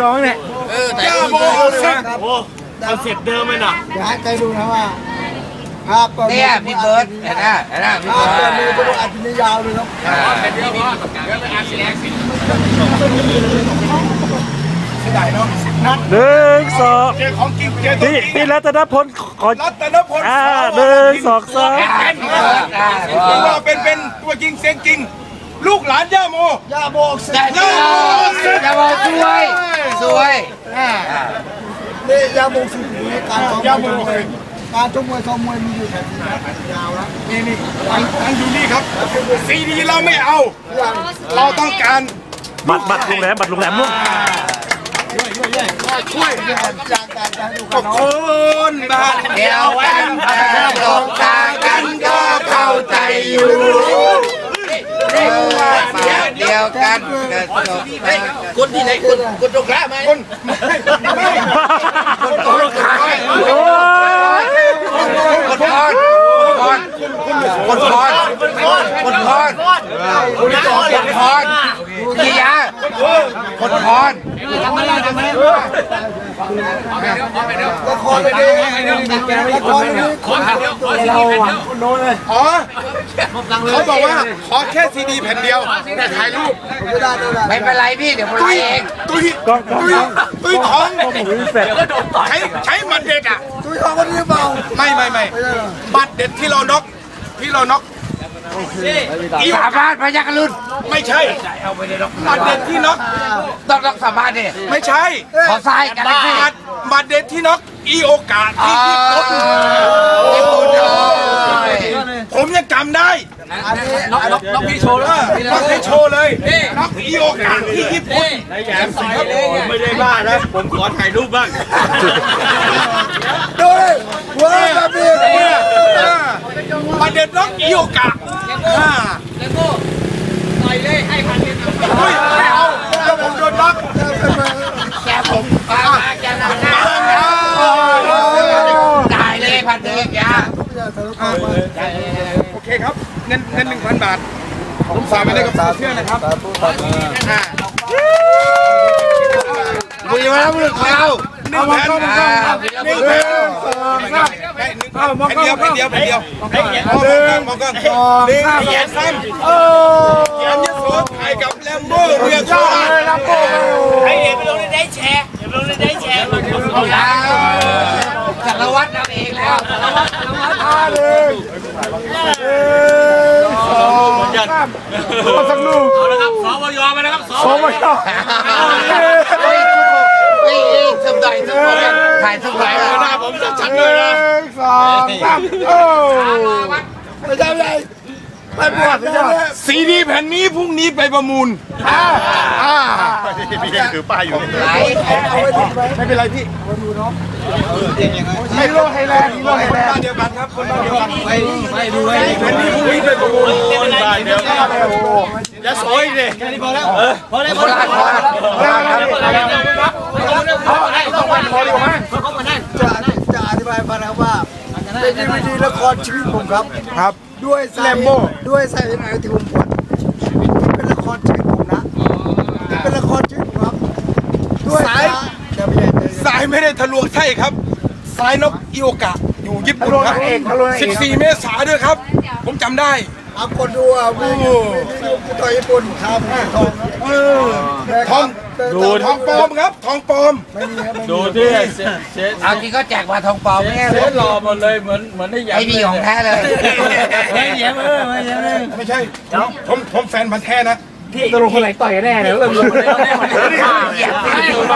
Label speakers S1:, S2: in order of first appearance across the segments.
S1: น้องเนี่ย
S2: ย่าโมเอาเซ็ต
S1: คอนเซ็ปต์เดิมเลยนะ
S3: เดี๋ยวให้ใจดูนะว่าภาพก่อน
S4: เนี่ยพี่เบิร์ดเห็นไหมพี่
S3: ภา
S4: เบิ
S3: พก่อนมือ
S4: ร์ด
S3: ตัวอัดนี่ยาวเลยครับ
S2: เป็นเดียวพอเดี๋ยวไปอาชีพเสียดายเนาะ
S1: หนึ่งสอง
S2: เจอของจริงเจอตัวจริง
S1: พี่รัตนพลขอ
S2: รัตนพล
S1: หนึ่งสองสาม
S2: ว่าเป็นตัวจริงเสียงจริง ลูกหลานย่าโม
S3: ย่าโมกเสร็จ
S4: อย่าบอกสวย
S3: นี่ย่าโมกสิการซ้อม
S2: ย่าโม
S3: การชกมวยซ้อมมวยมีอยู่แถวยาวแล้ว
S2: นี่ตั้งอยู่นี่ครับซีดีเราไม่เอา เราต้องการ
S1: บัตรโรงแรมลูก
S2: ช่วย
S3: จากการดู
S2: ก็คนบ้าน
S4: เดียวกันหลงทางกันก็เข้าใจอยู่เดียวกันคนที่ไหนคนตรงกลางไหม
S2: คนไม่คนตรงกลาง
S1: โอ้ย
S4: คนพรกี่ยาคนพร
S3: ละครเลยดิละครเลยดิเราโน้นเลย
S2: อ๋อเขาบอกว่าขอแค่ซีดีแผ่นเดียวแต่ถ่ายรูป
S3: ไม่ได้เลย
S4: ไม่เป็นไรพี่เดี๋ยวผมไล่เอง
S2: ตุ้ยท้อง
S1: เสร็จ
S2: ใช้มันเด็ดอ่ะ
S3: ตุ้ยทองคนนี้เปล่า
S2: ไม่บัตรเด็ดที่เราน็อก
S4: สาบานพยัคฆ์รุ่น
S2: ไม่ใช่บัตรเด็ดที่น็อก
S4: ต้องสาบานดิ
S2: ไม่ใช่
S4: ขอทรายกันสิ
S2: บัตรเด็ดที่น็อกอีโอกาสที่ญี่ปุ่น
S4: ญี่ปุ่นเลย
S2: ผมยังจำได้
S3: อันนี้
S2: น็อกพี่โชว์เลยน็อกพี่โชว์เลยน็อกอีโอกาสที่ญี่ปุ่น
S1: ไม่ได้บ้านะผมขอถ่ายรูปบ้าง
S3: ดูเลยว้าวแบบนี้
S2: บัตรเด็ดน็อกอีโอกาสไม่เอาแล้วผมโดนน็อก
S4: แกผมแกนำหน้าจ่ายเลยพันเดียวยา
S2: โอเคครับเงิน 1,000 บาทผมฝากไปได้กับเพื่อนนะครับ
S4: บุญวัฒน์บุรุษของเรา
S2: 1,000 1,000แผ่นเดียวมองกล้องเขียนซ้ำเขียนยโสถ่ายกับแลมโบ้เรือโชว์
S4: ให้เห็นไปลงในได้แชร์จักรวรรดินำเองแล้วจักรวรรดิ
S1: สักลูก
S5: เอาละครับสวยมาแล้วครับส
S1: โอ้ไม่ต้อง
S4: สมดถ่ายสมด
S2: หน้าผมชัดๆเลยนะ
S3: สองสามโอ้ไม่ได้เลยไปบวชไม่ได้
S2: ซีดีแผ่นนี้พรุ่งนี้ไปประมูล
S1: พี่ถือป้ายอยู่
S4: ไหล
S3: เอาไว้ดีไหม
S2: ไม่เป็นไรพี่
S3: ฮีโร่ไทยแลนด์ฮีโร่ไทยแลน
S2: บ้าน
S3: ด์
S2: เดียวกันครับคนบ้านเดียวกันไม่ดูแผ่นนี้พรุ่งนี้ไปประมูล
S1: เดี๋ยวอย่าสวยดิแค่นี้พอแล้วพอแล้ว
S4: โคราช
S3: จะอธิบายฟังนะครับว่าเป็นดีวีดีละครชีวิตผมครับ
S2: ครับ
S3: ด้วยสาเหตุด้วยสาเหตุอะไรที่ผมปวดเป็นละครชีวิตผมนะเป็นละครชีวิตผมครับด้วย
S2: สายไม่ได้ทะลวงไส้ครับสายนกอีโอกะอยู่ญี่ปุ่นครับ14 เมษายนด้วยครับ ผมจำได้
S3: เอาคนดูอ่ะวิวต่อยญี่ปุ่นครับทอง
S2: ทองปลอมครับทองปลอม
S1: ดูที่
S4: เอาจริงก็แจกมาทองปลอมไม่
S1: เซ็ตหล่อหมดเลยเหมือนได้ยั
S4: ไอ้นี่ของแท้เลย
S1: ไม่แย้มไม่แย้มเลย
S2: ไม่ใช่ผมแฟนพันธุ์แท้นะ
S1: ตกลงคนไหนต่อยแน่เนี่ยเริ่มลงคนไหน
S4: เหยียบไป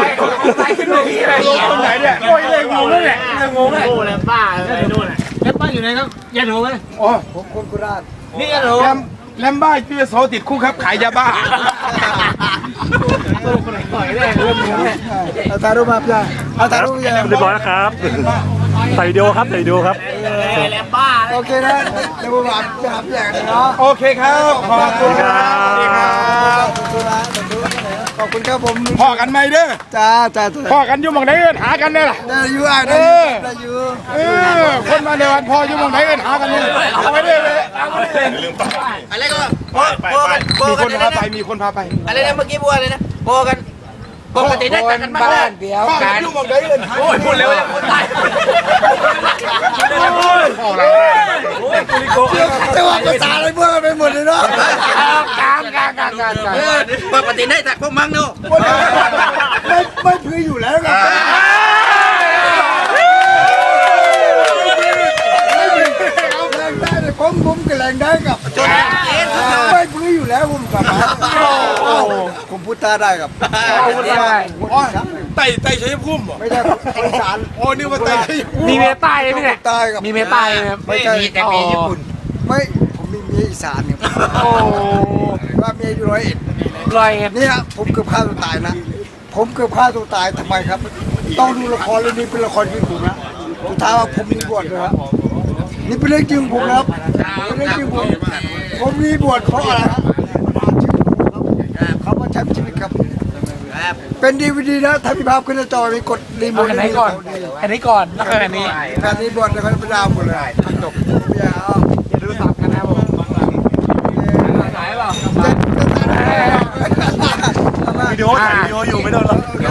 S1: คนไหนเนี่ยโอ้ยเลยงงเลยแหละงงเลยโอ้แล้วป้าอะไรนู่นแล้วป้าอยู่ไหนครับยันโหไหม
S2: อ๋อ
S3: ผมคนโคราช
S1: นี่ยันโห
S2: แลมบ้าชื่อโซติดคุกครับขายยาบ้า
S1: คนไหนต่อยแน่เริ่มงงเลย
S3: เอาถ่ายรูปมาพี่เอาถ่ายรูปพี่
S1: เรียบร้อยแล้วครับใส่วิดีโอครับใส่วิดีโอครับ
S3: โอเคนะเดี๋ยวผมหาพี่อย่างเนาะ
S2: โอเคครับขอบคุณครับ
S3: ขอบคุณครับผม
S2: พอกันไหมเด้อ
S3: จ้า
S2: พอกันอยู่หมองไหนเอิ้นหากันเนี่ยล่ะ
S3: ได้อยู่อ่ะได้อยู่
S2: คนมาในวันพออยู่หมองไหนเอิ้นหากันเนี่ยเอาไปเลย
S4: อะไรก็
S2: มีคนพาไปมีคนพาไป
S4: อะไรนะเมื่อกี้บัวเลยนะโบกันปกติได้แต่กันบ้านเดียว
S2: บ้า
S4: กัน น
S2: ยุ่งมองได้เงิน
S1: โอ้ยพูดเร็วยังพูดตายโอ้ยกุลิโก
S3: แต่ว่าภาษาอะไรเมื่อกันไปหมดเลยเนาะ
S4: การปกติได้แต่พวกมั้งเนาะ
S3: ไม่พื้นอยู่แล้วครับแรงได้เลยผมก็แรงได้กับไม่พื้นอยู่แล้วผมกับผมพูดตาได้กับ
S2: ไต่ชัยภูมิ
S3: ไม่ได้อีสาน
S2: โอ้นี่ว่าไต่ชัยภูมิ
S1: มีเมียใต้ไหมเนี่ย
S3: ใต้กับ
S1: มีเมียใต้ไหม
S4: ไม่มีแต่มีญี่ปุ่น
S3: ไม่ผมมีเมียอีสานเนี่ย
S1: โอ้
S3: ว่าเมียอยู่ร้อยเอ็ด
S1: ลอยเอ็ด
S3: เนี่ยผมเกือบฆ่าตัวตายนะ ผมเกือบฆ่าตัวตายทำไมครับ ต้องดูละครเรื่องนี้เป็นละครชีวิตผมนะสุดท้ายว่าผมมีบวชเลยครับนี่เป็นเรื่องจริงผมนะครับเป็นเรื่องจริงผมมีบวชเพราะอะไรครับเขามาใช้ชีวิตครับ เป็นดีวีดีนะถ้ามีภาพขึ้นหน้าจอมีกดรีโมท
S1: อันไหนก่อนอันนี้ก่อนแล้วก็อันนี้
S3: แฟนนี้บวชแล้วเขาเป็นดาวหมดเลยจบอย่าเอา
S1: อย่าดูสับกันนะผมสายเปล่า
S3: วิดีโอถ่ายวิดีโออยู่ไม่โดนหรอก